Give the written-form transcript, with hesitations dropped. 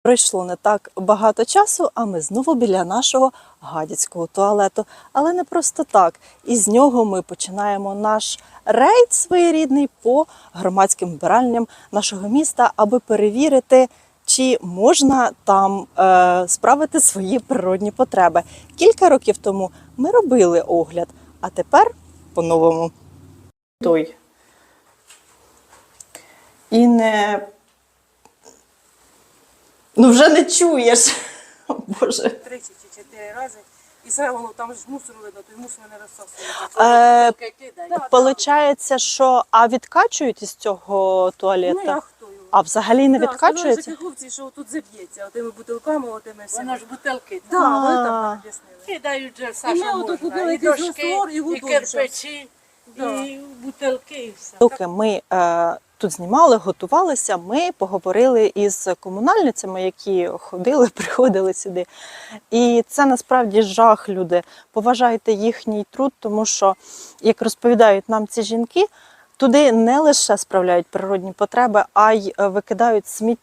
Пройшло не так багато часу, а ми знову біля нашого гадяцького туалету. Але не просто так. Із нього ми починаємо наш рейд своєрідний по громадським вбиральням нашого міста, аби перевірити, чи можна там справити свої природні потреби. Кілька років тому ми робили огляд, а тепер по-новому. Той. І не... Ну вже не чуєш. О, Боже. 3 чи 4 рази. І все воно там ж мусор видно, той мусор не розсосується. Получається, що відкачують із цього Ну туалету? я хто його? А взагалі не відкачується? Сказали хлопці, що тут заб'ється, отими бутилками, отими всіми. Воно ж бутилки. Так, вони там А. об'яснили. Кидають же І все, ми що ото можна. купили І якийсь дошки, раствор, і і готові кирпичі, Да. і бутилки, і все. Доки ми тут знімали, готувалися, ми поговорили із комунальницями, які ходили, приходили сюди. І це насправді жах, люди. Поважайте їхній труд, тому що, як розповідають нам ці жінки, туди не лише справляють природні потреби, а й викидають сміття.